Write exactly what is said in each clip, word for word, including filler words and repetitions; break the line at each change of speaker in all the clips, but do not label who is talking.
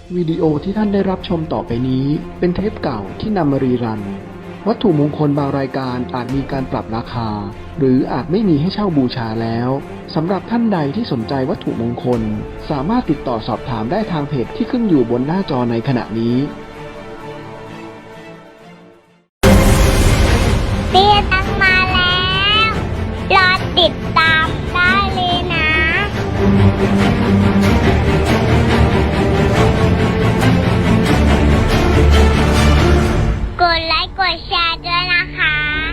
วิดีโอที่ท่านได้รับชมต่อไปนี้เป็นเทปเก่าที่นำมารีรันวัตถุมงคลบางรายการอาจมีการปรับราคาหรืออาจไม่มีให้เช่าบูชาแล้วสำหรับท่านใดที่สนใจวัตถุมงคลสามารถติดต่อสอบถามได้ทางเพจที่ขึ้นอยู่บนหน้าจอในขณะนี้
เตี้ยตังมาแล้วรอติดตามได้เลยนะกดไลค์กดแชร์ด้วยนะคะ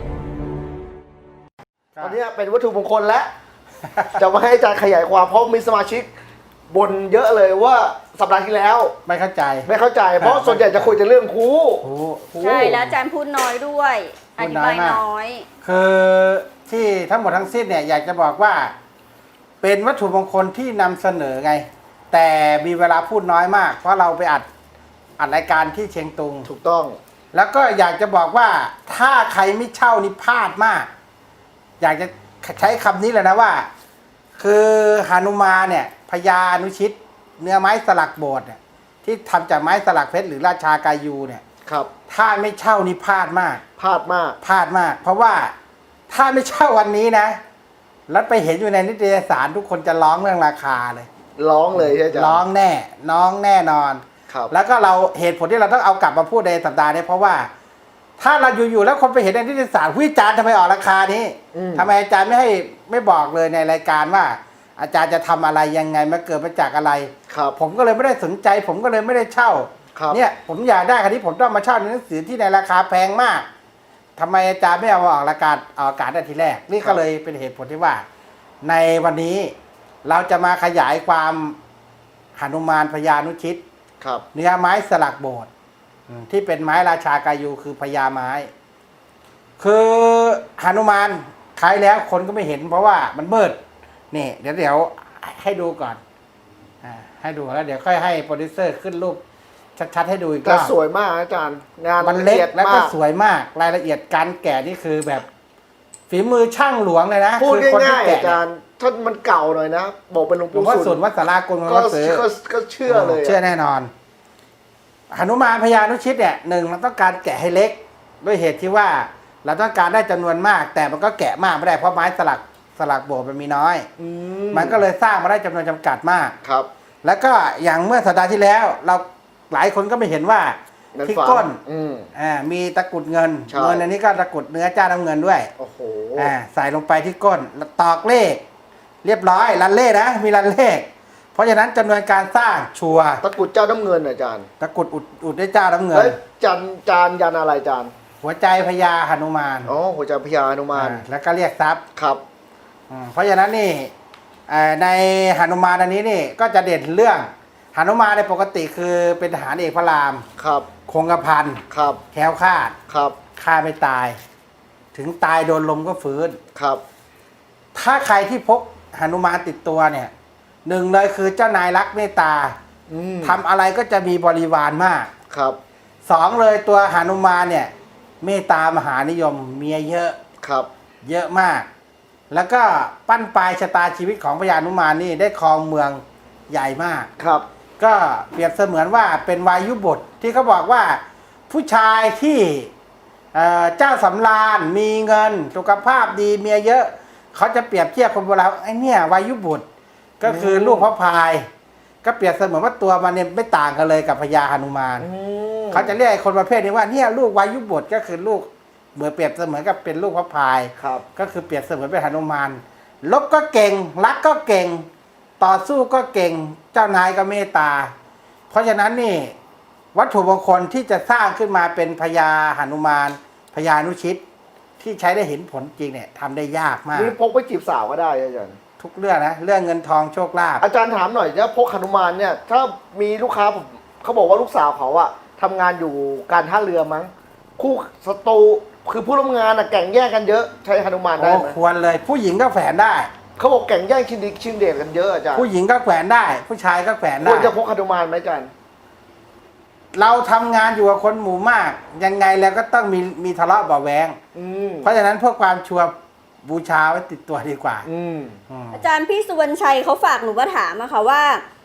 ตอนนี้เป็นวัตถุมงคลแล้ว จะมาให้อาจารย์ขยายความเพราะมีสมาชิกบ่นเยอะเลยว่าสัปดาห์ที่แล้ว
ไม่เข้าใจ
ไม่เข้าใจ เพราะส่วนใหญ่จะคุยแต่เรื่องครู
ใช่
ใช่แล้วอาจารย์พูดน้อยด้วยอธิบายน้อย
คือที่ทั้งหมดทั้งสิ้นเนี่ยอยากจะบอกว่า เป็นวัตถุมงคลที่นำเสนอไง แต่มีเวลาพูดน้อยมาก เพราะเราไปอัดอัดรายการที่เชียงตุง
ถูกต้อง
แล้วก็อยากจะบอกว่าถ้าใครไม่เช่านี่พลาดมาก อยากจะใช้คำนี้เลยนะว่า คือหานุมานเนี่ยพญานุชิต เนื้อไม้สลักโบสถ์เนี่ยที่ทำจากไม้สลักเพชรหรือราชากายูเนี่ย
ครับ
ถ้าไม่เช่านี่พลาดมาก
พลาดมาก
พลาดมาก เพราะว่าถ้าไม่เช่าวันนี้นะ แล้วไปเห็นอยู่ในนิตยสารทุกคนจะร้องเรื่องราคาเลย
ร้องเลยใช่ไหมอาจารย์
ร้องแน่ น้องแน่นอน
ครับ
แล้วก็เราเหตุผลที่เราต้องเอากลับมาพูดในสัปดาห์นี้เพราะว่า ถ้าเราอยู่ๆแล้วคนไปเห็นในนิตยสารวิจารณ์ทำไมออกราคานี้
อืม
ทำไมอาจารย์ไม่ให้ไม่บอกเลยในรายการว่า อาจารย์จะทำอะไรยังไงมาเกิดมาจากอะไร
ครับ
ผมก็เลยไม่ได้สนใจ ผมก็เลยไม่ได้เช่า
ครับ
เนี่ยผมอยากได้คันนี้ผมต้องมาเช่าในหนังสือที่ในราคาแพงมากทำไมอาจารย์ไม่เอามาออกรายการออกอากาศได้ทีแรก นี่ก็เลยเป็นเหตุผลที่ว่า ในวันนี้เราจะมาขยายความหนุมานพญานุชิต
ครับ
เนื้อไม้สลักโบสถ์อืมที่เป็นไม้ราชากายูคือพญาไม้ คือหนุมานขายแล้วคนก็ไม่เห็นเพราะว่ามันมืดนี่เดี๋ยวเดี๋ยวให้ดูก่อนอ่าให้ดูแล้วเดี๋ยวค่อยให้โปรดิวเซอร์ขึ้นรูปชัดๆให้ดูอีกร
แต่
อบ
สวยมากอาจารย์ งาน
มันเล็
อี
ก
ยด
แล้ว
มา
ก็
ก
สวยมากรายละเอียดการแกะนี่คือแบบ ฝีมือช่างหลวงเลยนะ
พูด
คือคนที่
ง่ายๆ
แกะ
อาจารย์ถ้ามันเก่าหน่อยนะ บอกเป็นหลวง
หลวง
ปู่
พ่อ
สุ
สุ
น
นวัดสารากล
ก็
ก็ซื้อ
ก็ก็เชื่อเลย
เชื่อแน่นอนหนุมานพญานุชิตเนี่ยหนึ่งเราต้องการแกะให้เล็ก ด้วยเหตุที่ว่าเราต้องการได้จำนวนมาก แต่มันก็แกะมากไม่ได้เพราะไม้สลักสลักโบสถ์มันมีน้อย
อืม
มันก็เลยสร้างมาได้จำนวนจำกัดมาก
ครับ
แล้วก็อย่างเมื่อสัปดาห์ที่แล้ว เราหลายคนก็ไม่เห็นว่า
นั่น
ที่
ฝัน
ก้น
อืม
อ่ามีตะกรุดเงิน
ใช่
เงินอันนี้ก็ตะกรุดเนื้อเจ้าน้ำเงินด้วย
โอ้โห
อ่าใส่ลงไปที่ก้นแล้วตอกเลข เรียบร้อยรันเลขนะมีรันเลข เพราะฉะนั้นจำนวนการสร้างชัวร์
ตะกรุดเจ้าน้ำเงินอาจารย์
ตะกรุดอุดอุดด้วยเจ้าน้ำเงิน
แล้วจันจานยันอะไรอาจารย์
หัวใจพญาหนุมาน
อ๋อหัวใจพญานุมาน
อ่าแล้วก็เรียกทรัพย์
ครับ
อืมเพราะฉะนั้นนี่เอ่อในหนุมานอันนี้นี่ก็จะเด่นเรื่องหนุมานในปกติคือเป็นทหารเอกพระราม
ครับ
คงกระพัน
ครับ
แคล้วคลาด
ครับ
ฆ่าไม่ตาย ถึงตายโดนลมก็ฟื้น
ครับ
ถ้าใครที่พกหนุมานติดตัวเนี่ยหนึ่งเลยคือเจ้านายรักเมตตา
อืม
ทำอะไรก็จะมีบริวารมาก
ครับ
สองเลยตัวหนุมานเนี่ยเมตตามหานิยมเมียเยอะ
ครับ
เยอะมาก แล้วก็ปั้นปลายชะตาชีวิตของพญานุมานนี่ได้ครองเมืองใหญ่มาก
ครับ
ก็เปรียบเสมือนว่าเป็นวายุบทที่เขาบอกว่าผู้ชายที่เอ่อเจ้าสำราญมีเงินสุขภาพดีเมียเยอะ เขาจะเปรียบเทียบคนโบราณไอ้เนี่ยวายุบุตรก็คือลูกพระพาย ก็เปรียบเสมือนว่าตัวมันเนี่ยไม่ต่างกันเลยกับพญาหนุมาน
อืม
เขาจะเรียกไอ้คนประเภทนี้ว่าเนี่ยลูกวายุบุตรก็คือลูกเหมือนเปรียบเสมือนกับเป็นลูกพระพาย
ครับ
ก็คือเปรียบเสมือนเป็นหนุมานลบก็เก่งรักก็เก่ง ต่อสู้ก็เก่งเจ้านายก็เมตตา เพราะฉะนั้นนี่วัตถุมงคลที่จะสร้างขึ้นมาเป็นพญาหนุมานพญานุชิต ที่ใช้ได้เห็นผลจริงเนี่ยทำได้ยากมาก
นี่พกไปจีบสาวก็ได้อาจารย์
ทุกเรื่องนะเรื่องเงินทองโชคลาภ
อาจารย์ถามหน่อยเนี่ยพกหนุมานเนี่ย ถ้ามีลูกค้าผมเขาบอกว่าลูกสาวเขาอะทำงานอยู่การท่าเรือมั้ง คู่ศัตรูคือผู้ร่วมงานอะแก่งแย่งกันเยอะใช้หนุมานได้
โอ้
ไหม
ควรเลย ผู้หญิงก็แฝนได้
เขาบอกแก่งแย่งชิงดีชิงเดชกันเยอะอาจารย์
ผู้หญิงก็แขวนได้ ผู้ชายก็แขวน
ค
ได้
วรจะพกหนุมานไหมอาจารย์
เราทำงานอยู่กับคนหมู่มาก ยังไงแล้วก็ต้องมีมีทะเลาะเบาะแวง
อืม
เพราะฉะนั้นเพื่อความชัวร์บูชาไว้ติดตัวดีกว่า
อืม
อืม
อาจารย์พี่สุวรรณชัยเขาฝากหนูมาถามอะค่ะว่า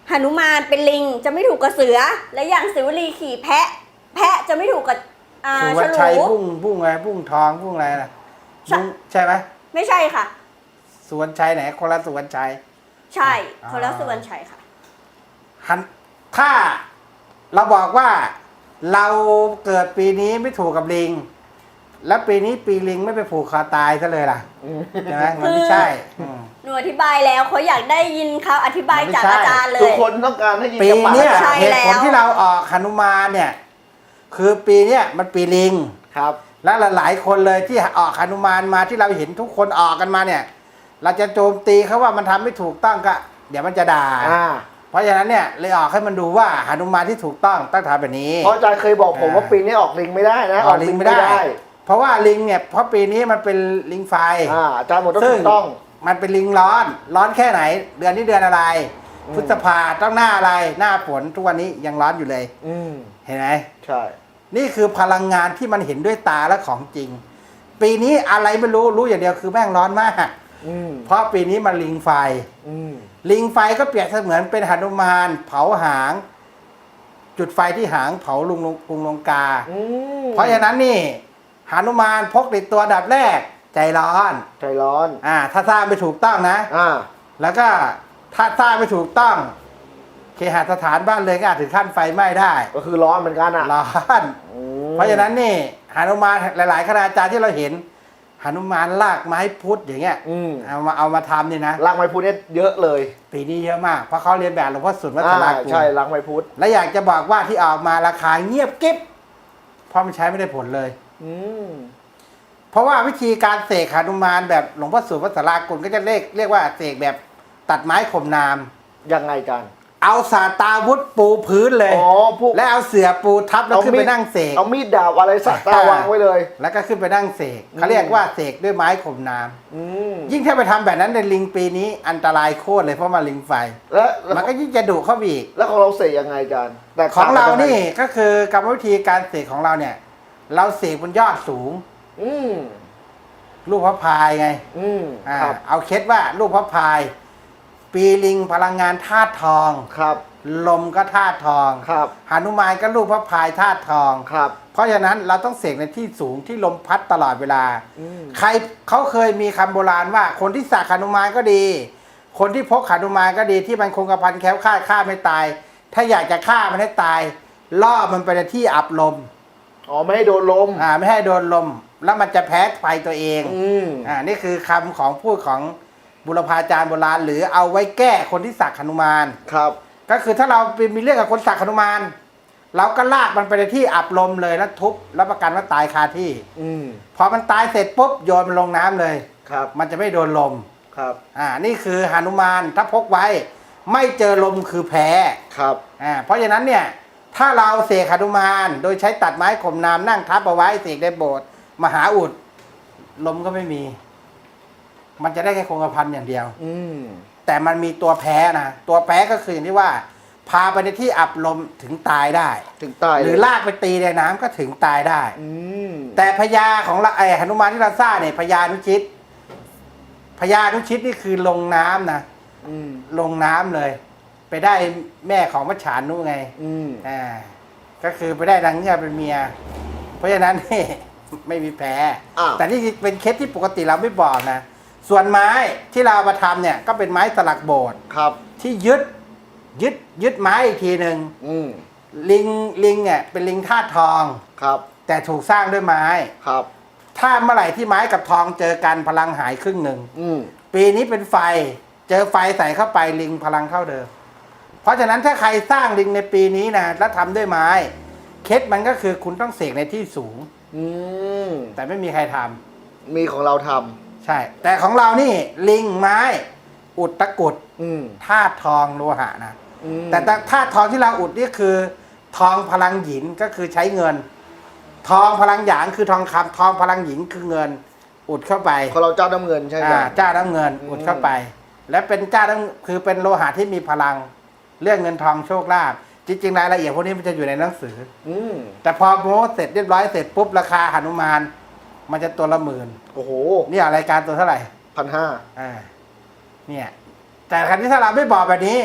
หนุมานเป็นลิงจะไม่ถูกกับเสือ และอย่างศิวลีขี่แพะ แพะจะไม่ถูกกับอ่า
สุ
ฉ
วรรณ
ลู
ชัยบุ้งบุ้งอะไรบุ้งทองบุ้งอะไรนะ
ใช่
บุ้งใช่ไหม
ไม่ใช่ค่ะ
สุวรรณชัยไหนคนละสุวรรณชัย
ใช่
อ่า
คนละสุวรรณชัยค่ะ
หันถ้าเราบอกว่าเราเกิดปีนี้ไม่ถูกกับลิง แล้วปีนี้ปีลิงไม่ไปผูกคอตายซะเลยล่ะใช่ไหมมันไม่ใช่อืม
หนูอธิบายแล้วเขาอยากได้ยินเขาอธิบายจาก
มันไม่ใช่
อาจารย์เล
ทุก
ย
คนต้องการให้ยิน
ปี
จากปาก
เนี้ย
ใช่
เหตุผล
แล้ว
ที่เราออกหนุมานเนี่ย คือปีเนี้ยมันปีลิง
ครับ
และหลายๆคนเลยที่ออกหนุมานมาที่เราเห็นทุกคนออกกันมาเนี่ย เราจะโจมตีเขาว่ามันทำไม่ถูกต้องก็ เดี๋ยวมันจะด่า
อ่า
เพราะฉะนั้นเนี่ยเลยออกให้มันดูว่าหนุมานที่ถูกต้องต้องทำแบบนี้
เพราะอาจารย์เคยบอกผม
อ่า
ว่าปีนี้ออกลิงไม่ได้นะ
ออกลิงไม่ได้ เพราะว่าลิงเนี่ยเพราะปีนี้มันเป็นลิงไฟ
อ่าอาจารย์บอกต้อง
ซึ่ง
ถูกต้อง
มันเป็นลิงร้อน ร้อนแค่ไหน เดือนนี้เดือนอะไร
อืม
พฤษภาต้องหน้าอะไร หน้าฝนทุกวันนี้ยังร้อนอยู่เลย
อืม
เห็นไหม
ใช่
นี่คือพลังงานที่มันเห็นด้วยตาและของจริง ปีนี้อะไรไม่รู้รู้อย่างเดียวคือแม่งร้อนมาก
อืม
เพราะปีนี้มันลิงไฟ
อืม
ลิงไฟก็เปรียบเสมือนเป็นหนุมานเผาหาง จุดไฟที่หางเผาลุงลงกรุงลงกา
อืม
เพราะฉะนั้นนี่หนุมานพกติดตัวดับแรก ใจร้อน
ใจร้อน
อ่า ถ้าสร้างไม่ถูกต้องนะ
อ่า
แล้วก็ถ้าสร้างไม่ถูกต้อง เคหสถานบ้านเลยก็อาจถึงขั้นไฟไหม้ได้
ก็คือร้อนเหมือนกันอ่ะ
ร้อน
อืม
เพราะฉะนั้นนี่หนุมานหลาย ๆ คณาจารย์ที่เราเห็นหนุมานลากไม้พุทธอย่างเงี้ย
อืม
เอามาเอามาทำนี่นะ
รังไม้พุทธเนี่ยเยอะเลย
ปีนี้เยอะมาก เพราะเขาเรียนแบบหลวงพ่อสุนวัฒ
อ่า
นากุล
ใช่รังไม้พุทธ
และอยากจะบอกว่าที่ออกมาราคาเงียบกิ๊บเพราะมันใช้ไม่ได้ผลเลย
อืม
เพราะว่าวิธีการเสกหนุมานแบบหลวงพ่อสุนวัฒนากุลก็จะเรียกเรียกว่าเสกแบบตัดไม้ข่มนาม
ยังไงกัน
เอาสาตาวุธปูพื้นเลย
อ๋อพวก
และเอาเสื่อปูทับแล้วขึ้นไปนั่งเสก
เอามีดดาบอะไรสักตาวางไว้เลย
แล้วก็ขึ้นไปนั่งเสก
อืม
เขาเรียกว่าเสกด้วยไม้ข่มนาม
อืม
ยิ่งถ้าไปทำแบบนั้นในลิงปีนี้อันตรายโคตรเลยเพราะมาลิงไฟ
แล้ว
มันก็ยิ่งจะดุเข้าไปอีก
แล้วของเราเสกยังไงอาจารย์แตก
ของ
ต่
เรา
กัยัไ
นี่ก็คือกรรมวิธีการเสกของเราเนี่ย เราเสกบนยอดสูง
อืม
ลูกพระพายไง
อืม
อ่า
ครับ
เอาเคล็ดว่าลูกพระพาย ปีลิงพลังงานธาตุทอง
ครับ
ลมก็ธาตุทอง
ครับ
หนุมานก็ลูกพระพายธาตุทอง
ครับ
เพราะฉะนั้นเราต้องเสกในที่สูงที่ลมพัดตลอดเวลา
อืม
ใครเขาเคยมีคำโบราณว่า คนที่สักหนุมานก็ดี คนที่พกหนุมานก็ดีที่มันคงกระพันแคล้วคลาดฆ่าไม่ตาย ถ้าอยากจะฆ่ามันให้ตายล่อมันไปในที่อับลม
อ๋อไม่ให้โดนลม
อ่าไม่ให้โดนลม แล้วมันจะแพ้ไฟตัวเอง
อืม
อ่านี่คือคำของพูดของบุรพาจารย์โบราณหรือเอาไว้แก้คนที่สักหนุมาน
ครับ
ก็คือถ้าเราไปมีเรื่องกับคนสักหนุมานเราก็ลากมันไปในที่อับลมเลยแล้วทุบแล้วประกันว่าตายคาที่
อืม
พอมันตายเสร็จปุ๊บโยนมันลงน้ำเลย
ครับ
มันจะไม่โดนลม
ครับ
อ่านี่คือหนุมานถ้าพกไว้ ไม่เจอลมคือแพ้
ครับ
อ่าเพราะฉะนั้นเนี่ยถ้าเราเสกหนุมานโดยใช้ตัดไม้ข่มนามนั่งทับเอาไว้เสกในโบสถ์มหาอุดลมก็ไม่มี มันจะได้แค่คงกระพันอย่างเดียว
อืม
แต่มันมีตัวแพ้นะตัวแพ้ก็คืออย่างที่ว่า พาไปในที่อับลมถึงตายได้
ถึงตาย
หรือลากไปตีในน้ำก็ถึงตายได้
อืม
แต่พญาของเราไอ้หนุมานที่เราสร้างเนี่ยพญานุชิตพญานุชิตนี่คือลงน้ำนะ
อืม
ลงน้ำเลย ไปได้แม่ของมัจฉานุไง
อืม
อ่าก็คือไปได้นางเงือกเป็นเมีย เพราะฉะนั้นนี่ ไม่มีแพ้
อ้าว
แต่นี่เป็นเคสที่ปกติเราไม่บอกนะ ส่วนไม้ที่เราเอามาทำเนี่ยก็เป็นไม้สลักโบสถ์
ครับ
ที่ยึดยึดยึดไม้อีกทีหนึ่ง
อืม
ลิงลิงเนี่ยเป็นลิงธาตุทอง
ครับ
แต่ถูกสร้างด้วยไม้
ครับ
ถ้าเมื่อไหร่ที่ไม้กับทองเจอกันพลังหายครึ่งหนึ่ง
อืม
ปีนี้เป็นไฟ เจอไฟใส่เข้าไปลิงพลังเข้าเดิม เพราะฉะนั้นถ้าใครสร้างลิงในปีนี้นะแล้วทำด้วยไม้เคล็ดมันก็คือคุณต้องเสกในที่สูง
อืม
แต่ไม่มีใครทำ
มีของเราท
ใช่ แต่ของเรานี่ลิงไม้ อุดตะกรุด
ำอืม
ธาตุทองโลหะนะ
อืม
แต่ธาตุทองที่เราอุดนี่คือ ทองพลังหยินก็คือใช้เงิน ทองพลังหยางคือทองคำทองพลังหญิงคือเงิน อุดเข้าไป
ของเราเจ้าน้ำเงินใช่ไหม
อ่าเจ้าน้ำเงิน อุดเข้าไป และเป็นเจ้าน้ำคือเป็นโลหะที่มีพลังเรื่องเงินทองโชคลาภจริงๆรายละเอียดพวกนี้มันจะอยู่ในหนังสือ
อืม
แต่พอโม้เสร็จเรียบร้อยเสร็จปุ๊บราคาหนุมาน มันจะตัวละหมื่น
โอ้โห
นี่รายการตัวเท่าไหร่
พันห้า
อ่าเนี่ย แต่ครั้นี้ถ้าเราไม่บอกแบบนี้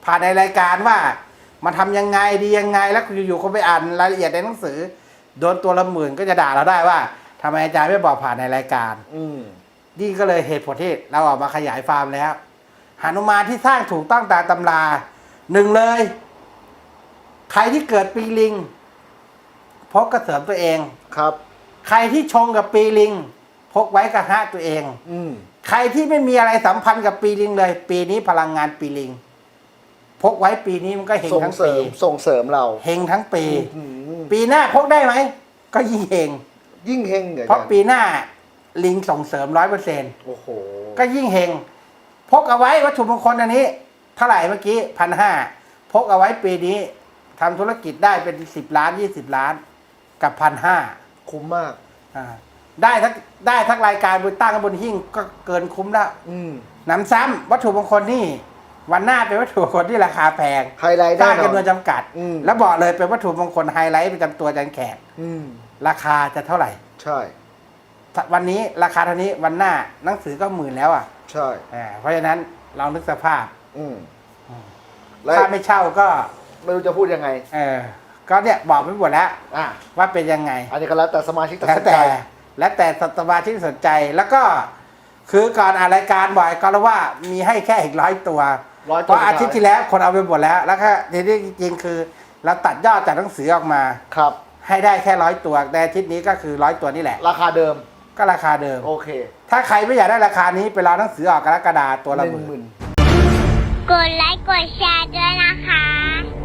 ผ่านในรายการว่ามาทำยังไงดียังไงแล้วอยู่ๆคนไปอ่านรายละเอียดในหนังสือโดนตัวละหมื่นก็จะด่าเราได้ว่าทำไมอาจารย์ไม่บอกผ่านในรายการ
อืม
นี่ก็เลยเหตุผลที่เราออกมาขยายฟาร์มแล้วหนุมานที่สร้างถูกต้องตามตำราหนึ่งเลย ใครที่เกิดปีลิงพกกระเสริมตัวเอง
ครับ
ใครที่ชงกับปีลิง พกไว้กระหะตัวเอง
อืม
ใครที่ไม่มีอะไรสัมพันธ์กับปีลิงเลย ปีนี้พลังงานปีลิง พกไว้ปีนี้มันก็เฮง
ส่ง
ทั้ง
เสริ
ปี
มส่งเสริมเรา
เฮงทั้งปี
อืม
ปีหน้าพกได้ไหมก็ยิ่งเฮง
ยิ่งเฮงเหรอ
เพราะ
อจ
ปีหน้าลิงส่งเสริมร้อยเปอร์เซ็นต์
โอ้โห
ก็ยิ่งเฮงพกเอาไว้วัตถุมงคลอันนี้เท่าไหร่เมื่อกี้พันห้าพกเอาไว้ปีนี้ทำธุรกิจได้เป็นสิบล้านยี่สิบล้านกับพันห้า
คุ้มมาก
ได้ทั้งได้ทั้งรายการบนตั้งบนหิ้งก็เกินคุ้มแล้ว
อืม
หนำซ้ำวัตถุมงคลนี่วันหน้าเป็นวัตถุมงคลที่ราคาแพง
ไฮไลท์
สร้าง
แน่นอน
จำนวนจำกัด
อืม
แล้วบอกเลยเป็นวัตถุมงคลไฮไลท์ประจำตัวอาจันแขก
อืม
ราคาจะเท่าไหร่
ใช่
วันนี้ราคาเท่านี้วันหน้าหนังสือก็หมื่นแล้วอ่ะ
ใช่
อ่าเพราะฉะนั้นเรานึกสภาพ
อืมแล้ว
ถ้าไม่เช่าก็
ไม่รู้จะพูดยังไง
เออก็เนี่ยบอกไปหมดแล้ว
อ่ะ
ว่าเป็นยังไง
อันนี้ก็แล้วแต่สมาชิกตัด
แล้ว
สินใจ
แต่แล้วแต่สมาชิกสนใจแล้วก็คือก่อนอ่านรายการบ่อยก็รู้ว่ามีให้แค่อีกร้อยตัว
ร้อย
เพ
ตัว
ราะอาทิตย์ที่แล้วคนเอาไปหมดแล้ว แล้วก็ทีนี้จริงๆคือเราตัดยอดจากหนังสือออกมา
ครับ
ให้ได้แค่ร้อยตัวแต่อาทิตย์นี้ก็คือร้อยตัวนี่แหละ
ราคาเดิม
ก็ราคาเดิม
โอเค
ถ้าใครไม่อยากได้ราคานี้ไปรอหนังสือออกกรกฎาตัวละ
ห
ห
นึ่ง
มื่น
หมื่น
กดไลค์กดแชร์ด้วยนะคะ